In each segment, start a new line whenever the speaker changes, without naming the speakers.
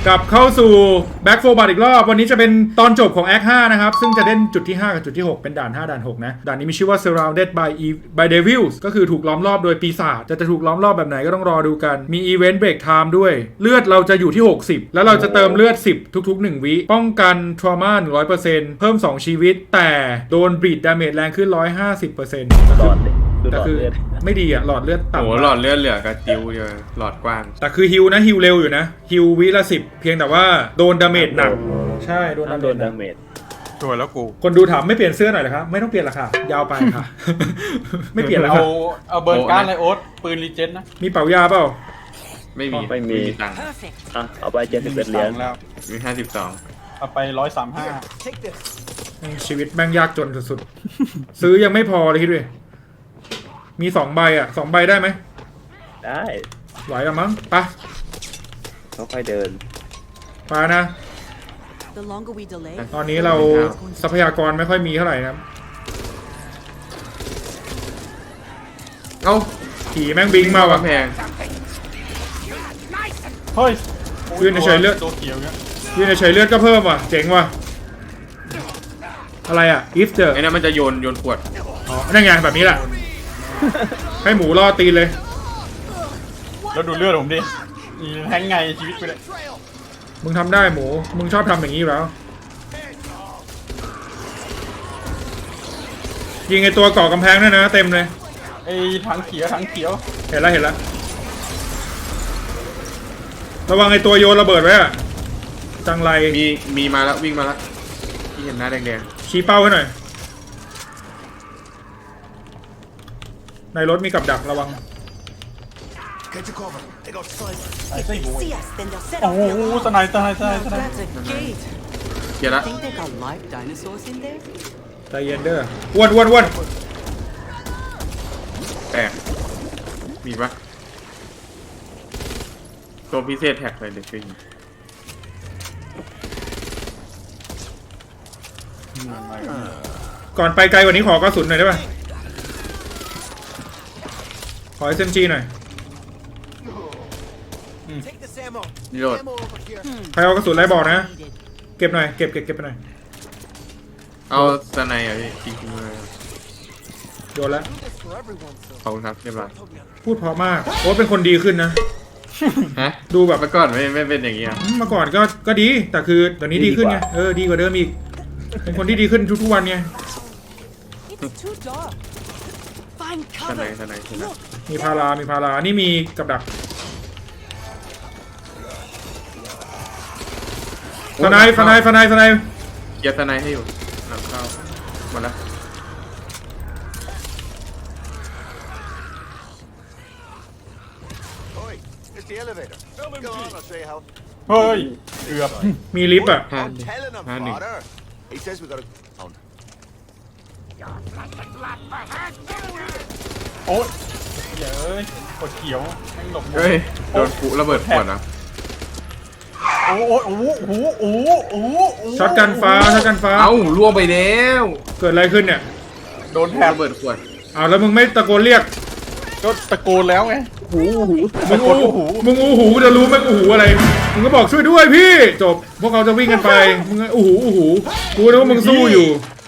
กลับเข้าสู่ Back 4 Blood อีกรอบวันนี้จะเป็นตอนจบของ Act 5นะครับซึ่งจะเล่นจุดที่5กับจุดที่6เป็นด่าน5ด่าน6นะด่านนี้มีชื่อว่า Surrounded by Devils ก็คือถูกล้อมรอบโดยปีศาจจะถูกล้อมรอบแบบไหนก็ต้องรอดูกันมี Event Break Time ด้วยเลือดเราจะอยู่ที่60แล้วเราจะเติมเลือด10ทุกๆ1วิป้องกัน Trauma 100% เพิ่ม2ชีวิตแต่โดน Bleed Damage แรงขึ้น 150%
หลอดเลย
แต่คือไม่ดีอะหลอดเลือดต่ำ
โอ้หลอดเลือดเหลือกระติวเดียวหลอดกว้าง
แต่คือฮิวนะฮิวเร็วอยู่นะฮิววิละ10เพียงแต่ว่าโดนดาเมจหนักใช่โดน
ห้ามโดน
ดา
ดา
เมจ
เมจ
สวยแล้วกู
คนดูถามไม่เปลี่ยนเสื้อหน่อยเหรอครับไม่ต้องเปลี่ยนหรอกค่ะยาวไปค่ะ ไม่เปลี่ยนแล้ว
เอาเบิร์นการ์ดเลยโอ๊ตปืนรีเจนนะ
มีเป๋ายาเปล่า
ไม่มีตังค์
อ่ะเอาไป71เหรียญ
แล้ว
มี52
เอาไป135
ชีวิตแม่งยากจนสุดๆ ซื้อยังไม่พอเลยคิดดูมี2ใบอ่ะ2ใบได้ไหม
ได้
ไหวกันมั้งไป
ค่อยๆเดิน
ไปนะ
The longer we delay,
ตอนนี้เราทรัพยากรไม่ค่อยมีเท่าไหร่นะครับ
เอ้า
ผีแม่งบิงมาว่ะ
แพง
เฮ้ย
ยืนเฉยๆเลือด
ตัวเขียวเนี่ย
ยืนเฉยๆเลือดก็เพิ่มว่ะเจ๋งว่ะอะไรอ่ะ if the
ไอ้นั่นมันจะโยนขวด
อ๋อนั่นไงแบบนี้แหละ ให้หมูล่อตีนเลย
แล้วดูเลือดผมดิแทงไงชีวิตไปเลย
มึงทำได้หมู มึงชอบทำอย่างนี้อยู่แล้ว ยิงไอตัวก่อกำแพงด้วยนะเต็มเลย
ไอ้ถังเขียว
เห็นแล้วเห็นแล้ว ระวังไอตัวโยนระเบิดไว้อะจังไร
มีมาแล้ววิ่งมาแล้วที่เห็นหน้าแดง
ชี้เป้าให้หน่อย ในรถมีกับดักระวัง
ไอ้ไส้
if
บุ้
they
ย
see us, then they'll set
โอ้
off
โห
the alarm.
สไนด์
That's a gate.
ๆเกียร์ละ
Think they got live dinosaurs in there?
ใจเย็นเด้ออ้วนอ้วนอ้วน
แตกมีปะตัวพิเศษแท็กเลยเด็กฟิง
ก่อนไปไกลกว่านี้ขอกระสุนหน่อยได้ป่ะ ขอ SMG หน่อย
นี่โหลด
ใครเอากระสุนไรบอกนะ เก็บหน่อย เก็บไปหน่อย
เอาสไนอ่ะพี่จริงๆเลย
โยนแล้ว
ขอบคุณครับเรียบร้อย
พูดเพราะมากโอ้เป็นคนดีขึ้นนะ
ฮะ
ดูแบบ
เมื่อก่อนไม่เป็นอย่างงี้อ่ะ
เมื่อก่อนก็ดี แต่คือเดี๋ยวนี้ดีขึ้นไง ดีกว่าเดิมอีก เป็นคนที่ดีขึ้นทุกๆวันไง
It's too dark. Find
สไน
cover.
มีพารานี่มีกับดักสไน
เกียร์สไนให้อยู่หลังเข้าหมดแล้ว
It's the elevator. Go on, I'll show you how.
เฮ้ยเกือบ
มีลิฟต์อ่ะ
ห้า
I'm telling him,
Handy.
father. He says we gotta. Oh,
โอ๊ยเย้ยกดเขียวแม่งหลบ
เฮ้ยโดนปุระเบิดขวดนะ
โอ้
ช็อตกันฟ้า
เอ้าล่วงไปแล้ว
เกิดอะไรขึ้นเนี่ย
โดนแถบ
ระเบิดขวด
อ้าวแล้วมึงไม่ตะโกนเรียก
ก็ตะโกนแล้วไง
มึงอู้หูจะรู้ไหมอู้หูอะไร มึงก็บอกช่วยด้วยพี่จบ พวกเขาจะวิ่งกันไป มึงอู้หูกูนึกว่ามึงสู้อยู่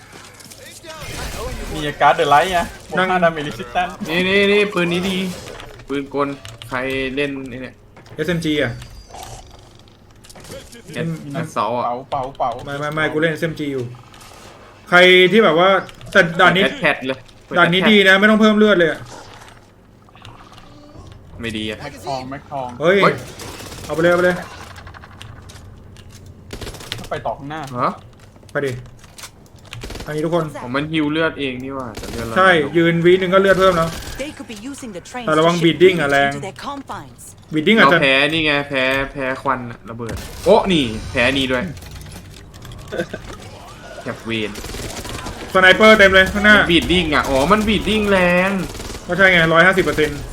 มีการ์ดเดอะไลท์ไงบว
นั่
ก
ง
5 ดาเมจรีสิสแตน
นี่ปืนนี้ดี ปืนกลใครเล่นไอ้เนี่ย
SMG อ่ะ
แอดซอลอ่ะ
เป่า
ไม่กูเล่น SMG อยู่ ใครที่แบบว่าแต่ด่านนี้
แอดแพดเลย
ด่านนี้ดีนะไม่ต้องเพิ่มเลือดเลยอะ
ไม่ดีอ่ะ
แม็กทอง
เฮ้ย
เฮ้ย
เอาไปเลย
ไปต่อข้างหน้า
ฮะ
ไปดิอันนี้ทุกคน
ผมมันฮิวเลือดเองนี่ว่าแต่เลือดเรา
ใช่ยืนวีนึงก็เลือดเพิ่มแล้ว
They could be using the trains
แต่ระวัง
to
บี
ship
ดดิ้ง
goods
อะแรง
into their confines.
บีดดิ้งอาจ
เรา
จะ
แพ้นี่ไงแพ้ควันอะระเบิดโอ้นี่แพ้นี่ด้วยแคปเวน
สไนเปอร์เต็มเลยข้างหน้า
บีดดิ้งอ่ะอ๋อมันบีดดิ้งแรง
ก็ใช่ไง150%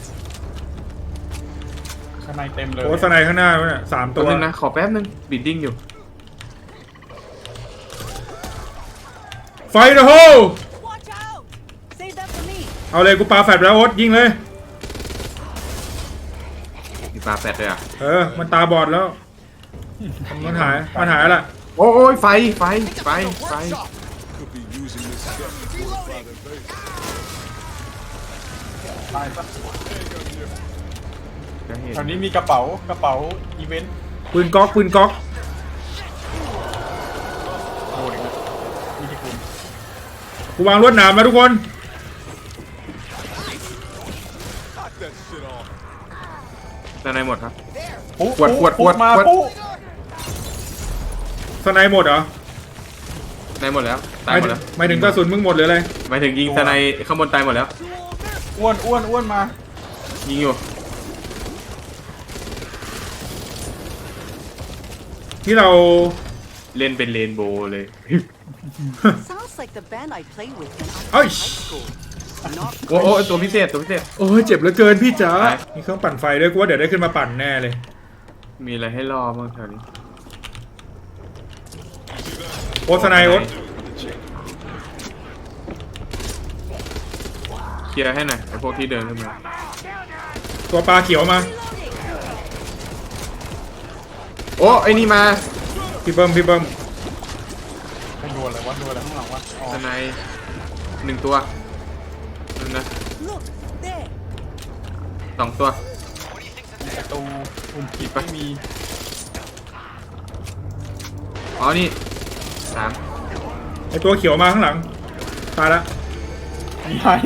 ข้างในเต็มเลย
โอ้สไนข้างหน้าเนี่ย3
ตั
ตัว ว
นึงนะขอแป๊บนึงบีดดิ้งอยู่
ไฟเดอะโฮ
Watch out! Save that for me.
เอาเลยกูปาแฟลชแล้วโอ๊ตยิงเลย
มีปลาแฟดด้วยอ่ะ
มันตาบอดแล้วมันหายอะไร
โอ้ยไฟ
Could be using this stuff to fortify their base.
ตายซะ
จะเห็น
แถวนี้มีกระเป๋าอีเวนต์
ปืนก๊อก
โอ้ยนะมีที่คุณ
กูวางลวดหนามมาทุกคน
Knock that shit off.
ด้านในหมดครับ
ปุ๊
ขวด
มา
ขวด
ปุ๊
สไนหมดเหรอ
ในหมดแล้วตายหมดแล้ว
หมายถึงกระสุนมึงหมดหรืออะไร
หมายถึงยิงสไนข้างบนตายหมดแล้ว
อ้วนมา
ยิงอยู่
ที่เรา
เล่นเป็นเรนโบว์เลย
Sounds like the band I played with when I was
เอ้ย
in high school. Not
โอ้ตัวพิเศษ
โอ้ยเจ็บเหลือเกินพี่จ๋า
ไป
มีเครื่องปั่นไฟด้วยกูว่าเดี๋ยวได้ขึ้นมาปั่นแน่เลย
มีอะไรให้รอบ้างแถวนี้
โอ๊ตสไนโอ๊ต
เคลียร์ให้หน่อยไอพวกที่เดินขึ้นมา
ตัวปลาเขียวมา
โอ้ไอนี่มา
พี่เบิ้ม
ไปดูอะไรวะดูอะไรข้างหลังวะอ๋อ
สไนหนึ่งตัวนั่นนะ
Look, there.
สองตัว
ประตูปุ่มขีดไม่มี
อ๋อนี่สาม
ไอตัวเขียวมาข้างหลังตายละ
ไหน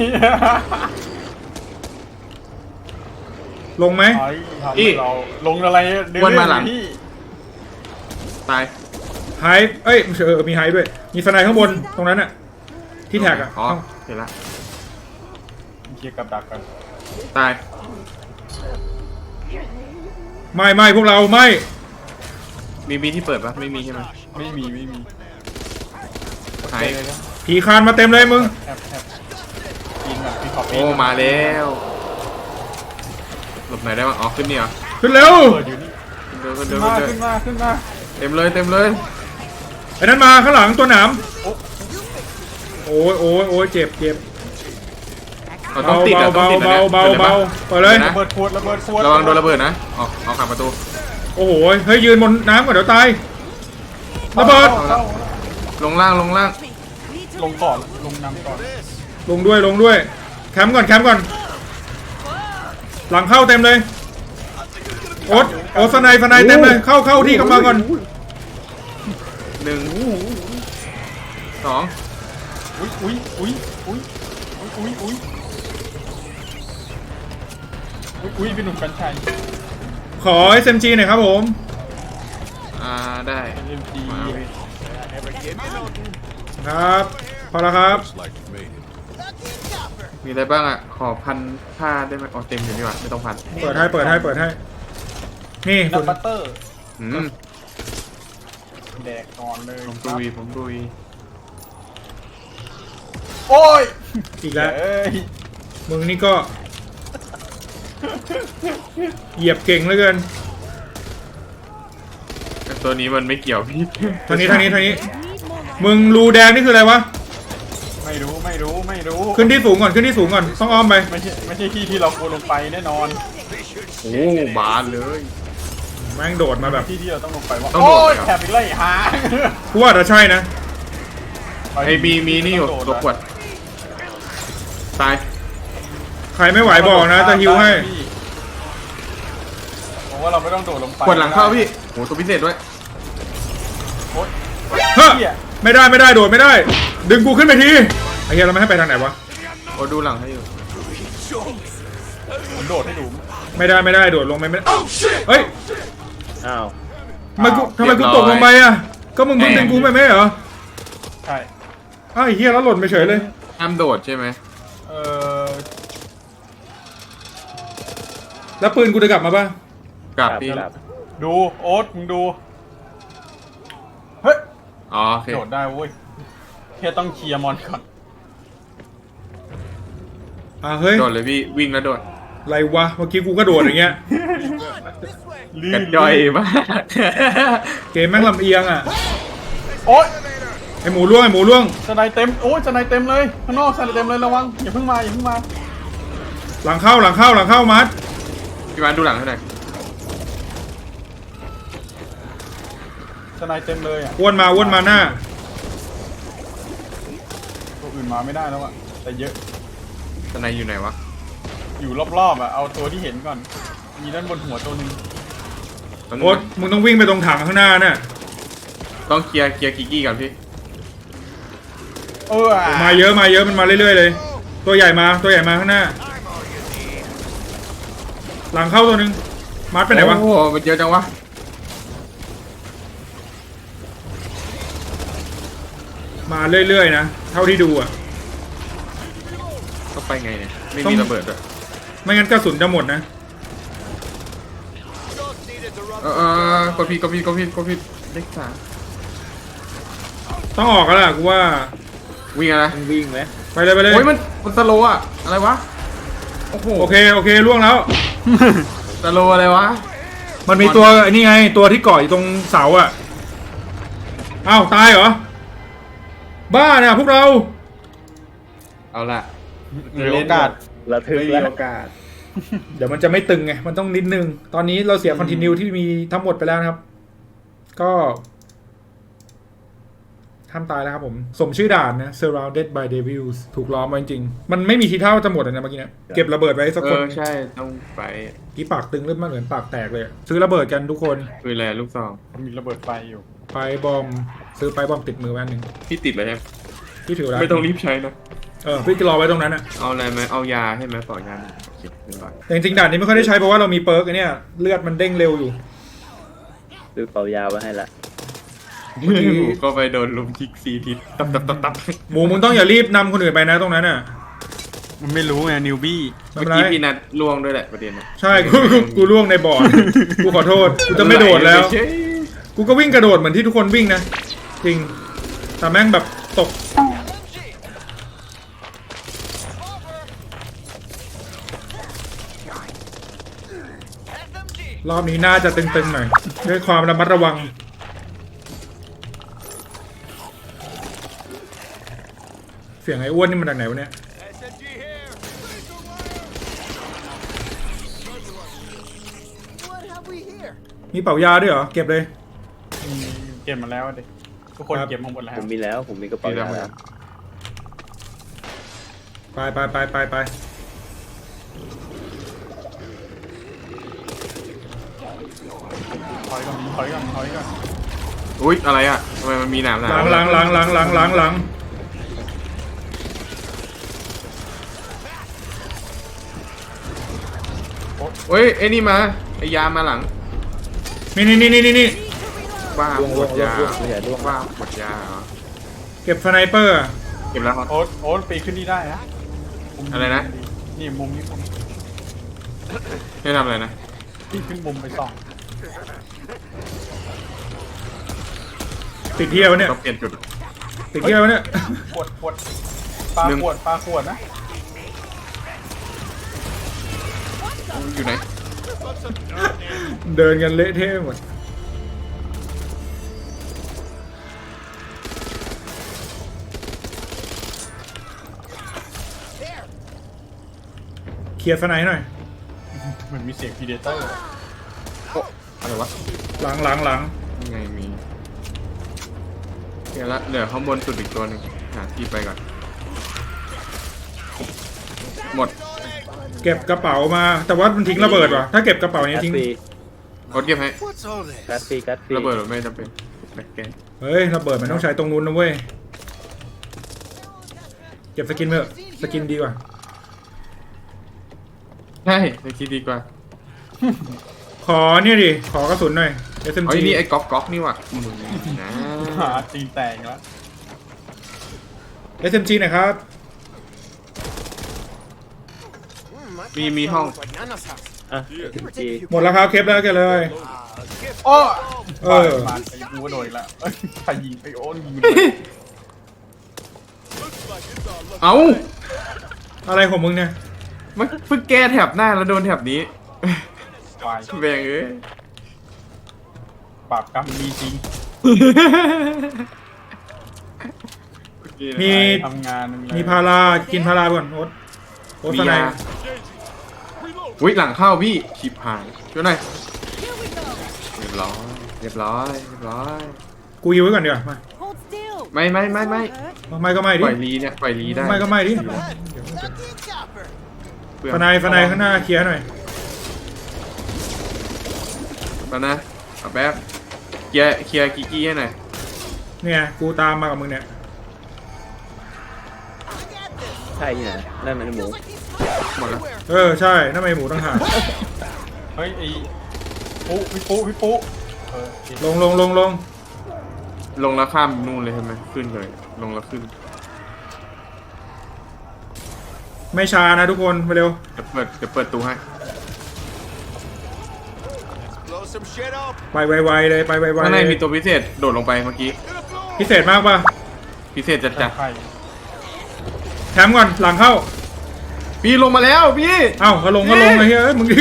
ลงไหม
ทำให้เราลงอะไรเดินที่
ตาย
ไฮเอ้ยมีไฮด้วย มีสไนข้างบนตรงนั้นอะที่แท็กอะ
อ๋อเห็นละ
เคลียร์กับดักกัน
ตาย
ไม่พวกเราไม่
มีที่เปิดปะไม่มีใช่ไหม
ไม่มี
หาย
เลยนะ
ผีคานมาเต็มเลยมึง
แอบกินแบบมีขอบ
โอ้มาแล้วหลบไหนได้บ้างอ๋อขึ้นนี่เหรอ
ขึ้นเร็ว
เปิดอยู่นี่
ขึ้นเดิน
ขึ้นมา
เต็มเลย
ไอ้นั้นมาข้างหลังตัวหนามโอ้ยเจ็บ
เราต้องติดอะต้องติดนะ
เบาเปิดเลย
ระเบิดขวด
ระวังโดนระเบิดนะออกขังประตู
โอ้โหเฮ้ยยืนบนน้ำก่อนเดี๋ยวตายระเบิด
ลงล่าง
Me. Need to
ลงก่อนลงนำก่อน
ลงด้วยแคมป์ก่อนหลังเข้าเต็มเลยโอ๊ตสไนเต็มเลยเข้าที่กำลังก่อน
หนึ่งสอง
อุ้ยพี่หนุ่มกัญชัย
ขอ SMG หน่อยครับผม
ได้
MG
มาพี่
Never give me no
ครับพอแล้วครับ
looks like you made it.
มีอะไรบ้างอ่ะขอพันผ้าได้ไหมอ๋อเต็มอยู่นี่หว่าไม่ต้องพัน
เปิดให้นี่
นับบัตเตอร์ แดกก่อนเลย
ผมดุย
โอ้ย
อีกแล้ว
เอ้ย
มึงนี่ก็เหยียบเก่งเหลือเกิน
ตัวนี้มันไม่เกี่ยวพี่
ทางนี้มึงรูแดงนี่คืออะไรวะ
ไม่รู้
ขึ้นที่สูงก่อนต้องอ้อมไป
ไม่ใช่ที่เราควรลงไปแน่นอน
โอ้บานเลย
แม่งโดดมาแบบ
ที่เราต้องลงไปว่า
ต้องโดด
โอ้ย
เหรอ
แถบอีกเลยหา
กูว่าจะใช่นะ
ไอ้มีนี่อยู่ตัวขวดตาย
ใครไม่ไหวบอกนะจะฮิวให้
ผมว่าเราไม่ต้องโดดลงไป
ขวดหลังเข้าพี่โหตัวพิเศษด้วย
โอ๊ย
เฮ้ย
เหี้ย
ไม่ได้โดดไม่ได้ ดึงกูขึ้นไปทีไอ้เหี้ยเราไม่ให้ไปทางไหนวะ
โอ้ดูหลังให้อยู่
ผมโดดให้ดู
ไม่ได้โดดลงไปไม่ได้เฮ้ย
อ้าว
ทำไมกูตกลงไปอ่ะก็มึงดึงกูไปไม่เหรอ
ใช่
อ้าวไอ้เหี้ยแล้วหล่นไปเฉยเลย
ห้ามโดดใช่ไหม
เออ
แล้วปืนกูจะกลับมาป่ะ
กลับพี่
ครับ
ดูโอ๊ตมึงดูเฮ้ย
อ๋อโอเค
โดดได้เว้ยแค่ต้องเคลียร์มอนก่อน
เฮ้ย
โดดเลยพี่วิ่งแล้วโดด
อะไรวะเมื่อกี้กูก็โดดอย่างเงี้ย
กระย่อยมาก
เกมแม่งลำเอียงอ่ะ
โอ๊ย
ไอหมูล่วง
สไนเต็มโอ้ยสไนเต็มเลยข้างนอกสไนเต็มเลยระวังอย่าเพิ่งมา
หลังเข้ามัด
พี่วานดูหลังให้หน่อย
สไนเต็มเลยอ่ะ
อ้วนมาหน้า
ตัวอื่นมาไม่ได้แล้วอ่ะแต่เยอะ
ตอนไหนอยู่ไหนวะ
อยู่รอบๆอ่ะเอาตัวที่เห็นก่อนมีด้านบนหัวตัวหนึง
ตอนนี้
โอ๊ตมึงต้องวิ่งไปตรงถังข้างหน้าน่ะ
ต้องเคลียร์กิกกี้ก่อนพี่
มาเยอะมันมาเรื่อยๆเลย ตัวใหญ่มาข้างหน้า หลังเข้าตัวหนึงมัดไปไหนวะ
โอ้โหมันเยอะจังวะ
มาเรื่อยๆนะเท่าที่ดูอ่ะ
ต้องไปไงเนี่ยไม่
ต้อง
มีระเบิดด้วย
ไม่งั้นกระสุนจะหมดนะ
กดผิดเลข
ต้องออกแล้วล่ะกูว่า
3วิ่งอะไร
ต้องวิ่งไหม
ไปเลย
โอ้ยมันสโลว์อะอะไรวะโอ้โห
โอเคล่วงแล้ว
สโลว์อะไรวะ
มันมีตัวไอ้นี่ไงตัวที่เกาะอยู่ตรงเสาอ่ะอ้าวตายเหรอบ้าเนี่ยพวกเรา
เอาละ
มีโอกาส
ระทึก
ไม่มี
แล้ว
โอกาส
เดี๋ยวมันจะไม่ตึงไงมันต้องนิดนึงตอนนี้เราเสียคอนติเนียที่มีทั้งหมดไปแล้วนะครับ ก็ห้ามตายแล้วครับผมสมชื่อด่านนะ surrounded by devils ถูกล้อมไว้จริงๆมันไม่มีทีท่าว่าจะหมดเลยนะเมื่อกี้เนี่ยเก็บระเบิดไว้สักคน
ใช่ต้องไป
กี่ปากตึงเริ่มมาเหมือนปากแตกเลยอะซื้อระเบิดกันทุกคน
คืออะไรลูกซอง
มีระเบิดไฟอยู่
ไปบอมซื้อไปบอมติดมือแว่นหนึ่ง
พี่ติดเลยใช่ไหม
พี่ถือไว้
ไม่ต้องรีบใช้นะ
พี่จะรอไว้ตรงนั้นอะ
เอาอะไรไหมเอายาใช่ไหมต่อยาโอเคเรียบร้อย
แต่จริงๆด่านนี้ไม่ค่อยได้ใช้เพราะว่าเรามีเปิร์กไอ้เนี่ยเลือดมันเด้งเร็วอยู่
ซื้อเป่ายาไว้ให้ละ
ก็ไปโดนลุมคิกซีทิศตับ
หมูมึงต้องอย่ารีบนำคนอื่นไปนะตรงนั้นอ่ะ
มันไม่รู้ไงนิวบี้
ไม่
เมื่อ
เป็นไร
กี้พี่นัดล่วงด้วยแหละประเด็นนะ
ใช่กูล่วงในบ่อ กูขอโทษกูจะไม่โดดแล้ว กูก็วิ่งกระโดดเหมือนที่ทุกคนวิ่งนะจริงแต่แม่งแบบตกรอบนี้น่าจะตึงๆหน่อยด้วยความระมัดระวังเสียงไอ้อ้วนนี่มันจากไหนวะเนี่ย
SMG here. What have we here?
มีเป่ายาด้วยเหรอเก็บเลย
เก็บมาแล้วดิทุกคน
ครับ
เก็บมาหมดแล้ว
ผมมีกระเป๋ายาแล้ว
ไป
ถอยก่อน
อุ๊ยอะไรอ่ะทำไมมันมีหนาม
หลัง
เฮ้ยไอ้นี่มาไอ้ยามาหลัง
นี่
บ้าหมดยา
ไม่ใช่ร่วง
บ้าหมดยาเหรอ
เก็บสไนเปอร์อะ
เก็บแล้วครับ
โอ๊ตปีนขึ้นนี่ได้นะมุม
อะไรนะ
นี่มุมนี้มุม
ให้ทำอะไรนะ
ปีนขึ้นมุมไปส่อง
ติดเที่ยวเนี่ย
ต้องเปลี่ยนจุด
ติดเที่ยวเนี่ย
ขวดปลา
หนึ่ง
ขวดนะ
อยู่ไหน
เดินกันเละเทะหมดเคลียร์สไนหน่อย
เหมือนมีเสียงพีเดเตอร์
อะไรวะ
หลัง
ยังไงมีเดี๋ยวละเหลือข้างบนสุดอีกตัวหนึ่งหาที่ไปก่อนหมด
เก็บกระเป๋ามา แต่ว่ามันทิ้งระเบิดว่ะถ้าเก็บกระเป๋านี้
กัด
ทิ้ง
ฟรี
กดเก็บให้
What's all this?
กัดฟรี
ระเบิดหรือไม่จำเป็นแบกแกน
เฮ้ยระเบิดมันต้องใช้ตรงนู้นนะเว้ยเก็บสกินเถอะสกินดีกว่า
ใช่ในคิดดีกว่า
ขอเนี่ยดิขอกระสุนหน่อย
เอ้
SMG
ยนี่ไอ้ก๊อกนี่ว่ะมึงนะ
หาตีนแตกแล้ว
SMG หน่อยครับ
มีห้อง
Like Nana's house.
อ่ะจี
หมดแล้วครับเคปแล้วเก็บเลย
โอ้
เออ
มาไอ้กูก็โดนอีกแล้วเอ้ยใครยิงไปโอ้ยิง
เอ้า
อะไรของมึงเนี่ย
มันเพิ่งแก้แถบหน้าแล้วโดนแถบนี้
วาย
แบงเอ้ย
ปราบกรรมมีจริง
มี
ทำงานอะไร
มีพารากินพาราไปก่อนโอ๊ต
มี
สไน
ยาอุ้ยหลังเข้าพี่ชิบหายช่วยหน่อยเรียบร้อยเรียบร้อยเรียบร้อย
กูยิวไว้ก่อนเดี๋ยวมา
Hold still.
ไม่
This won't hurt.
ไม่ก็ไม่ดิ
ปล่อยลีเนี่ยปล่อยลีได้
ไม่ก็ไม่ดิ
Ducky chopper.
เปลือง
ฟนายข้างหน้าเคลียร์หน่อย
มานะเอาแป๊บเคลียร์กิกกี้ให้หน่อย
เนี่ยกูตามมากับมึงเนี่ย
ใช่ที่ไหนนั่นมันหมู
หมดแล้ว
ใช่นั่นไม่หมูต่างหาก
เฮ้ยไอ้พี่ปุ๊เออ
ลง
ลงแล้วข้ามนู่นเลยใช่ไหมขึ้นเลยลงแล้วขึ้น
ไม่ช้านะทุกคนมาเร็ว
เดี๋ยวเปิดตู้ให้
Blow some shit up.
ไปไวๆเลยไปไวๆ
ข้างใน
เลย
มีตัวพิเศษโดดลงไปเมื่อกี้
Gonna blow.
พิเศษมากป่ะ
พิเศษจัด
ใคร
แถมก่อนหลังเข้า
ๆพี่ลงมาแล้วพี่
เอ้าก็ลงไอ้เหี้ยมึงดิ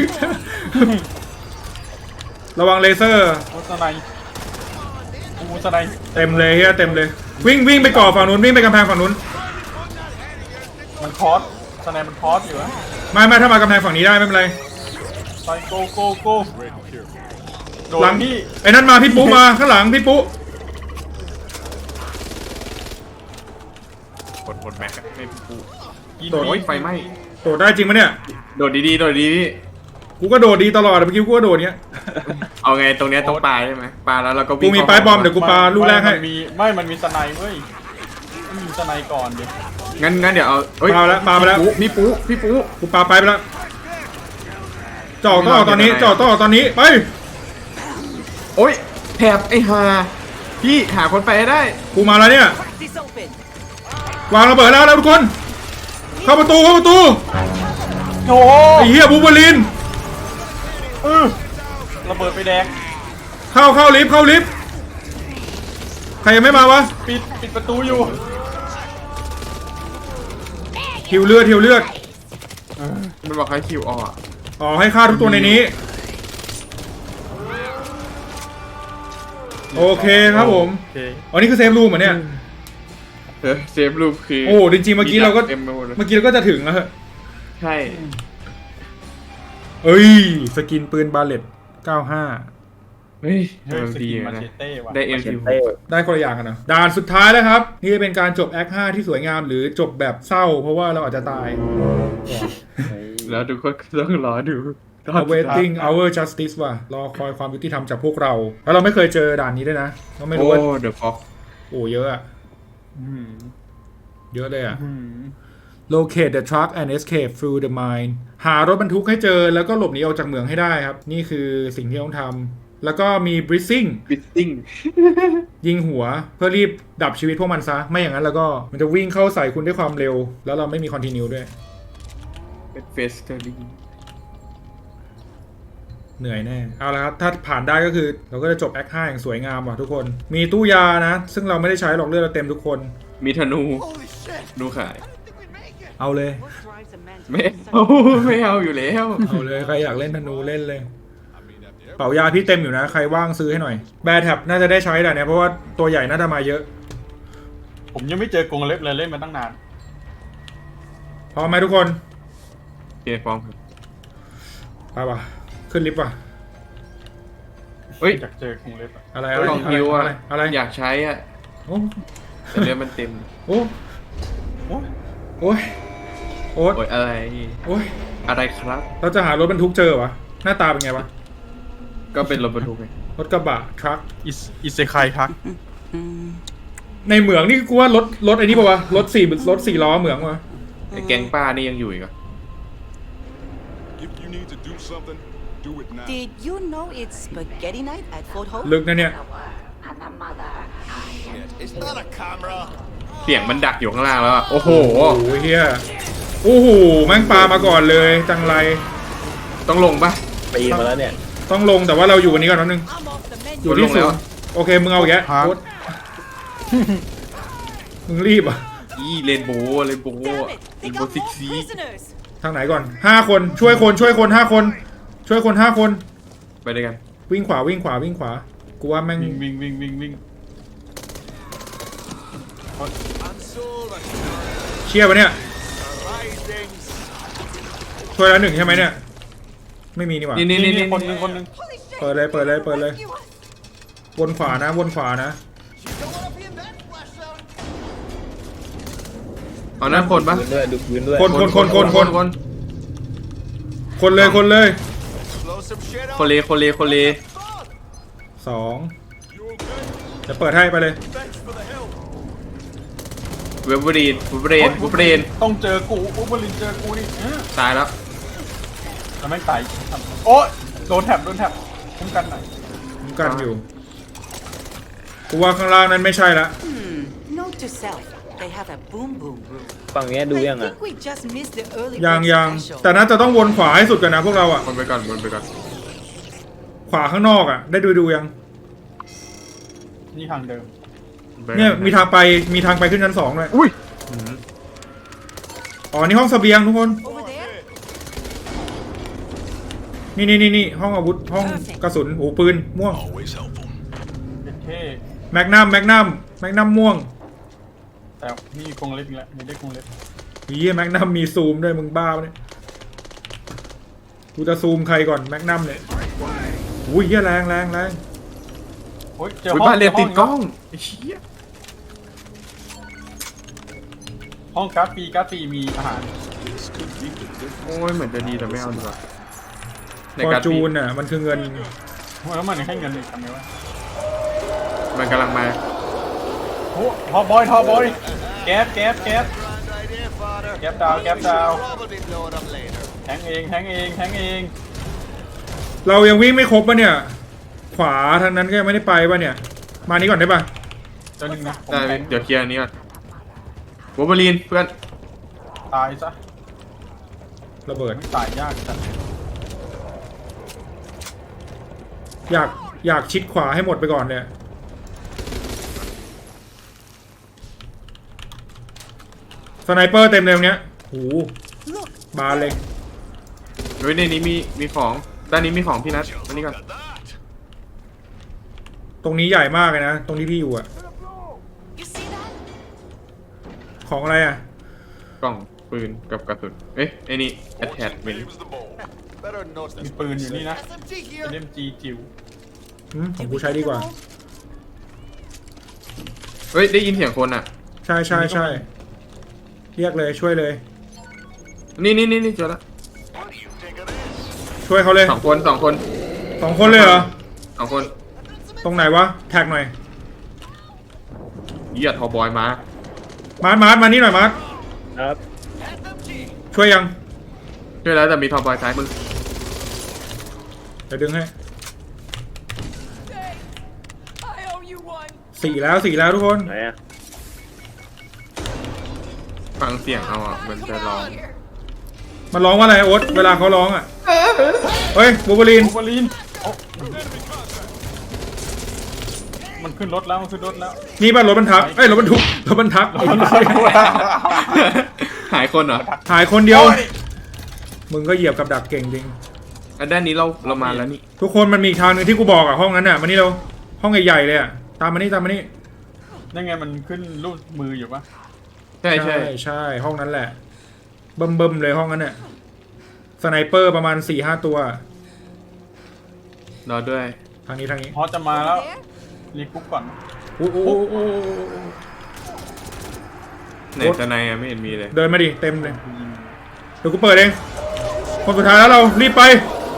ระวังเลเซอร์
โอ้สไนด์กูสไนด์
เต็มเลยเฮียเต็มเลย วิ่งไปก่อฝั่งนู้นวิ่งไปกำแพงฝั่งนู้น
มันคอสสไนด์มันคอสอยู่อะ
ไม่ถ้ามากำแพงฝั่งนี้ได้ไม่เป็นไร
ไปโกโด
หลั
น
ง
พี่
ไอ้นั่นมาพี่ปุ๊มาข้างหลังพี่ปุ๊
กดแม็กไม่ปู
ยิง
โอ้ยไฟไหม้
โดดได้จริงปะเนี่ย
โดดดีๆโดดดี
กูก็โดดดีตลอดเมื่อกี้กูก็โดดเนี้ย
ๆเอาไงตรงเนี้ยต้องปาใช่ไหมปาแล้วเราก็
กู
วิ่ง
มีปลายบอมเดี๋ยวกูปาลูกแรกให้
มันมีสไนด์เว้ยมันมีสไนด์ก่อนดิ
งั้นเดี๋ยวเอาเอ้ย
ปาแล้ว
พี่ปู
กูปาไปแล้วจ่อต่อตอนนี้ไป
โอ้ยแถบไอ้ห่าพี่หาคนไปให้ได้
กูมาแล้วเนี่ย
Practice open.
วางระเบิดแล้วทุกคน เข้าประตู
โอ้
ไอ้เหี้ยบูเบอลิน
ระเบิดไปแดง
เข้าลิฟต์ใครยังไม่มาวะ
ปิดประตูอยู่
หิวเลือด
มันบอกให้คิวออก
อ๋อให้ฆ่าทุกตัวในนี้ โอเคครับผม
โอเค
อ๋อนี่คือเซฟรูมเหรอเนี่ย
เซฟรูปคือ
โอ้จริงๆเมื่อกี้เราก็
เต็มไปหมดเลย
จะถึงแล้วเหรอ
ใช่
เอ้ยสกินปืนบาเลต95
เฮ้ย
เฮ้ยส
ดี
กินมา
นะ
เชเต้ว่ะ
ได้เอ็ม
เช
ซี
เต้
ได้คนละอย่างกันนะด่านสุดท้ายแล้วครับ นี่จะเป็นการจบแอค5ที่สวยงามหรือจบแบบเศร้า เพราะว่าเราอาจจะตาย
แล้วทุกคนต้องรอดู
awaiting our justice ว่ะรอคอยความยุติธรรมจากพวกเรา แล้วเราไม่เคยเจอด่านนี้ด้วยนะเราไม่รู้ว่า
โอ้เดอะฟ็อก
โอ้เยอะอะ
อืม
เยอะเลยอะ
อืม
locate the truck and escape through the mine หารถบรรทุกให้เจอแล้วก็หลบหนีออกจากเหมืองให้ได้ครับ นี่คือสิ่งที่ต้องทำแล้วก็มี breathing
บิตติ้ง
ยิงหัวเพื่อรีบดับชีวิตพวกมันซะ ไม่อย่างนั้นแล้วก็มันจะวิ่งเข้าใส่คุณด้วยความเร็ว แล้วเราไม่มี continue ด้วย
เป็นเฟสเตอรี่
เหนื่อยแน่ เอาละครับ ถ้าผ่านได้ก็คือเราก็จะจบแอค5อย่างสวยงามว่ะทุกคน มีตู้ยานะ ซึ่งเราไม่ได้ใช้หรอกเลือดเราเต็มทุกคน
มีธนู
Holy shit.
นูขาย
I didn't think we'd make it.
เอาเลย
What drives a man to
ไม่
do
เอา
such
ไม่เอาอยู่แล้ว
เอาเลย ใครอยากเล่นธนูเล่นเลย
I mean, after
เป๋ายาพี่เต็มอยู่นะ ใครว่างซื้อให้หน่อย แบร์แท็บน่าจะได้ใช้แต่เนี่ยเพราะว่าตัวใหญ่น่าจะมาเยอะ
ผมยังไม่เจอกรงเล็บเลยเล่นมาตั้งนาน
พร้อมไหมทุกคน
โอเคฟอร์มครับ
ไปว่ะ ขึ้นลิฟต์ว่ะ
เฮ้ย
อยากเจอกรงเล็บอะ
อะไร
กล่องฮิวอะ
อะไร
อยากใช้อะ
โอ้
แต่เรือมันเต็ม
โอ้
โอ้ย
โอ้ยโอ๊ต
โอ้ยอะไร
โอ้ย
อะไรครับ
เราจะหารถบรรทุกเจอวะหน้าตาเป็นไงวะ
ก็เป็นรถบรรทุกไง
รถกระบะทรัค
อิเซคายทัก
ในเหมืองนี่กูว่ารถไอ้นี่ป่าวะรถสี่ล้อเหมืองวะ
ไอ้แก๊งป้านี่ยังอยู่อีกเหรอ
If you need to do something, do it now.
Did you know it's spaghetti night at Fort Hope?
ลึกนะเนี่ย
It's not a camera.
เสียงมันดักอยู่ข้างล่างแล้วอะโอ้โห
โอ้โหเฮียโอ้โหแม่งปลามาก่อนเลยจังไร
ต้องลงปะ
ปีนมาแล้วเนี่ย
ต้องลงแต่ว่าเราอยู่วันนี้ก่อนนิดนึง
I'm off the menu.
อยู่ที่
ลง
ศู
แล้ว
นย์โอเคมึงเอาแกะโอ๊ตมึงรีบอ่ะ
อีเรนโบว์เรนโบว์
Damn it!
เร
They
นโบ
got
ว์ซิก
more
ซี
prisoners.
ทางไหนก่อน5 คนช่วยคน5 คนช่วยคน5 คน
ไปด้วยกัน
วิ่งขวากูว่าแม่ง
วิ่ง
I'm sold on
เชี่ยปะเนี่ย
rising.
ช่วยแล้ว1ใช่ไหมเนี่ยไม่มีนี่หว่า
นี่
นี่คนหนึง
Holy shit!
เปิดเลย
Rescue us.
วนขวานะวนขวานะ
เอานั้นคนปะ
พื้นด้วยดูพื้นด้วย
คนเลยคนเลย
คนเล
สองจะเปิดให้ไปเลย
เวเบอรีน
ต้องเจอกูอุบลินเจอกูนี่
ตายแล้ว
แล้วไม่ตายโอ๊ยโดนแถบคุ้มกันหน่อย
ผมกันอยู่กูว่าข้างล่างนั้นไม่ใช่ละ
Note to self, they have a boom boom room.
ฝั่งเนี้ยดูยัง
I
อ่ะ
think we just missed the early
ยัง
bird special.
แต่น่าจะต้องวนขวาให้สุดกันนะพวกเราอ่ะ
วนไปก่อน
ขวาข้างนอกอ่ะ ได้ดูยัง
นี่ทางเดิม
เนี่ยมีทางไปขึ้นชั้น2ด้วย
อุ้ย
อ๋อนี่ห้องเสบียงทุกคน
Over there?
นี่ห้องอาวุธห้องกระสุนโอ้ปืนม่วง
Always helpful.
เท่
แมกนัมม่วง
แต่นี่คงเล็กอีกแล้วมีได้คงเล็ก
เฮียแมกนัมมีซูมด้วยมึงบ้าปะเนี่ยกูจะซูมใครก่อนแมกนัมเนี่ยอุ้ยเฮียแรง
โอ้ยเจอ
อุ้ย
ห้อง
บ้านเรียนติดกล้องไอ้เชี่ย
ห้องการ์ดปีมีอาหาร
This could be the difference.
โอ้ยเหมือนจะดีแต่ไม่เอาดีกว่าใน
ฟอ
การ
ร์จูนอ่ะมันคือเงิน
แล้วมันให้เงินอีกทำไงวะ
มันกำลังมา
โอ้ทอบอยแก๊บดาวแทงเอง
เรายังวิ่งไม่ครบปะเนี่ย ขวาทางนั้นก็ยังไม่ได้ไปปะเนี่ย มานี้ก่อนได้ปะ
เจ้าหนึ่งนะผม
ได้
แทง
เดี๋ยวเคลียร์อันนี้ก่อนเวเบอรีนเพื่อน
ตายซะ
ระเบิด
ไม่ตายยากจัด
อยากชิดขวาให้หมดไปก่อนเนี่ยสไนเปอร์เต็มเลยตรงเนี้ยโหบานเลย
เฮ้ยในนี้มีของด้านนี้มีของพี่นัทอันนี้ก่อน
Got that.
ตรงนี้ใหญ่มากเลยนะ ตรงที่พี่อยู่อะ
You see that?
ของอะไรอะ
กล่องปืนกับกระสุนเอ๊ะไอ้นี่ attachment
Name's the ball. Better note
มีปืนอยู่นี่นะเล่มจีจิ๋ว
ของกูใช้ดีกว่า
เฮ้ยได้ยินเสียงคนอ่ะ
ใช่เรียกเลยช่วยเลย
นี่เจอแล้ว
ช่วยเขาเลย
สองคน
2 คนเลยเหรอ
สองคน
ตรงไหนวะแท็กหน่อย
เหยียดทอบอยมา
มาร์ทมานี่หน่อยมาร์ท
ครับ
ช่วยยัง
ช่วยแล้วแต่มีทอบอยซ้ายมือ
เดี๋ยวดึงให้สี่แล้วทุกคน
ไหนอ่ะ
ฟังเสียงเอาอ่ะมันจะร้อง
มันร้องว่าอะไรโอ๊ตเวลาเขาร้องอ่ะเฮ้ยบูเบอรีน
โอเวอรีนโอ้มันขึ้นรถแล้ว
นี่ป่ะรถบรรทุกรถบรรทุก
หายคนเหรอ
หายคนเดียว มึงก็เหยียบกับดักเก่งจริง
อันด้านนี้เรามาแล้วนี่
ทุกคนมันมีอีกทางหนึงที่กูบอกอ่ะห้องนั้นอ่ะมานี่เราห้องใหญ่ๆเลยอ่ะตามมานี่
นั่นไงมันขึ้นรูปมืออยู่ปะ
ใช่
ใช่ห้องนั้นแหละเบิ่มเลยห้องนั้นเนี่ยสไนเปอร์ประมาณ 4-5 ตัว
รอด้วย
ทางนี้
ฮอจะมาแล้วรีคุกก่อน
โอ้โห
ไหนจะในไม่เห็นมีเลย
เดินมาดิเต็มเลยเดี๋ยวกูเปิดเองคนสุดท้ายแล้วเรารีบไป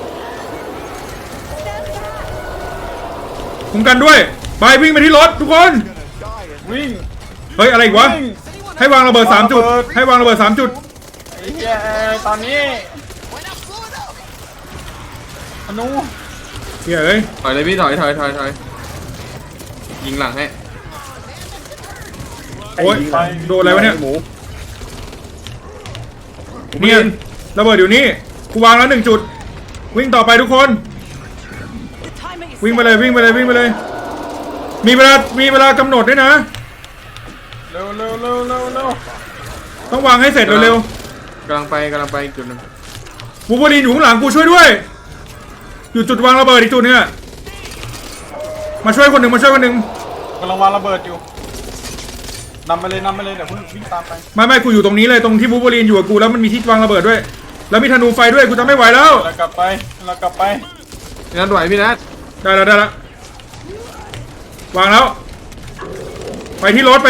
คุ้มกันด้วยไปวิ่งไปที่รถทุกคน
วิ่ง
เฮ้ยอะไรอีกวะให้วางระเบิด3 จุดให้วางระเบิด3 จุด
ไอ้เหี้ยตอนนี้อนุ
เฮ้ยเอ้ย
ถอยเลยพี่ถอยยิงหลังให้
โอ๊ยโดนอะไรวะเนี่ย
หมู
เนี่ยระเบิดอยู่นี่กูวางแล้ว1 จุดวิ่งต่อไปทุกคน
The timer is
วิ่งไป
set.
เลยมีเวลากำหนดด้วยนะ
เร็ว
ต้องวางให้เสร็จเร็ว
กำลังไปอีกจุดหนึง
ๆบูเบอรีนอยู่ข้างหลังกูช่วยด้วย อยู่จุดวางระเบิดอีกจุดนึงอะมาช่วยคนหนึ่ง
กำลังวางระเบิดอยู่นำไปเลยเดี๋ยวคุณวิ่งตามไป
ไม่กูอยู่ตรงนี้เลยตรงที่บูเบอรีนอยู่กับกูแล้วมันมีที่วางระเบิดด้วย แล้วมีธนูไฟด้วยกูจะไม่ไหวแล้ว
เรากลับไป
พี่นัทไหวพี่นัท
ได้แล้ววางแล้ว ไปที่รถ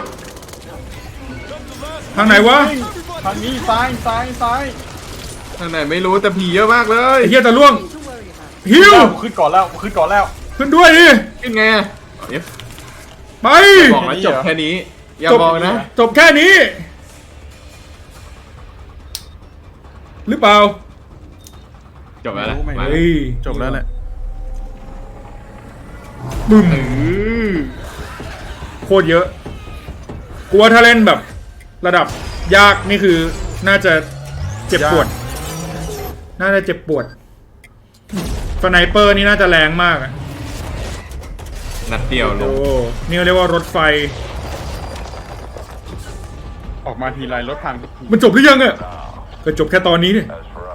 ทางไหนวะ
ทางนี้ซ้ายซ้ายซ้าย
ทางไหนไม่รู้แต่ผีเยอะมากเลย
ไอ้เหี้ยจะล่วงฮิว
กูขึ้นก่อนแล้วกูขึ้นก่อนแล้ว
ขึ้นด้วยดิ
ขึ้นไงอะเดี๋ยว
ไป
บอกแล้วจบแค่นี้ อย่าบอกนะ
จบแค่นี้ หรือเปล่า
จบแล้วนะ
ไม่
มา
เฮ้ย
จบแล้วแหละ
บึ้ม
อือ
โคตรเยอะกลัวถ้าเล่นแบบระดับยากนี่คือน่าจะเจ็บปวด น่าจะเจ็บปวดสไนเปอร์นี่น่าจะแรงมากอะ
นัดเดียวล
โอ้
ง
นี่เรียกว่ารถไฟ
ออกมาทีไรรถพังทุกที
มันจบหรือยังอะก็จบแค่ตอนนี้เนี่ย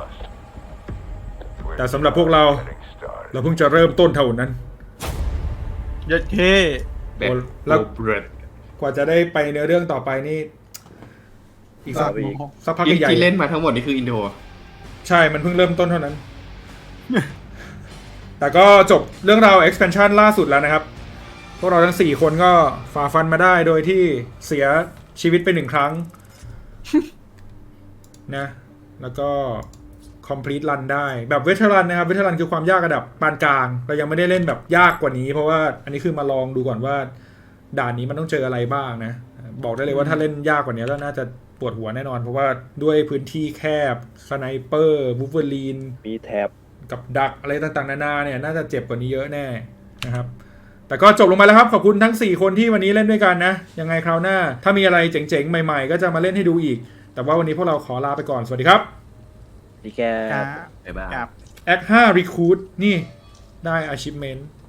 แต่สำหรับพวกเราเพิ่งจะเริ่มต้นเท่านั้น
ยัดเค
แบบ
แล้ว
โบรด
กว่าจะได้ไปเนื้อเรื่องต่อไปนี่ อีกสักพัก
ยิ่ง
ใหญ่
ที่เล่นมาทั้งหมดนี่คืออินโทร
ๆใช่มันเพิ่งเริ่มต้นเท่านั้น แต่ก็จบเรื่องราว expansion ล่าสุดแล้วนะครับ พวกเราทั้ง 4 คนก็ฝ่าฟันมาได้โดยที่เสียชีวิตไป1 ครั้ง นะ แล้วก็ complete run ได้แบบเวทรันนะครับเวทรันคือความยากระดับปานกลางเรายังไม่ได้เล่นแบบยากกว่านี้ เพราะว่าอันนี้คือมาลองดูก่อนว่าด่านนี้มันต้องเจออะไรบ้างนะบอกได้เลยว่าถ้าเล่นยากกว่านี้ก็น่าจะปวดหัวแน่นอน เพราะว่าด้วยพื้นที่แคบสไนเปอร์วูฟเวอรีน
มีแท็บ
กับดักอะไรต่างๆนานาเนี่ยน่าจะเจ็บกว่านี้เยอะแน่นะครับแต่ก็จบลงไปแล้วครับขอบคุณทั้ง4คนที่วันนี้เล่นด้วยกันนะยังไงคราวหน้าถ้ามีอะไรเจ๋งๆใหม่ๆก็จะมาเล่นให้ดูอีกแต่ว่าวันนี้พวกเราขอลาไปก่อนสวัสดีครับ
ดีแก
ครับ
บ๊ายบาย
ครับ
Act 5 Recruit นี่ได้ achievement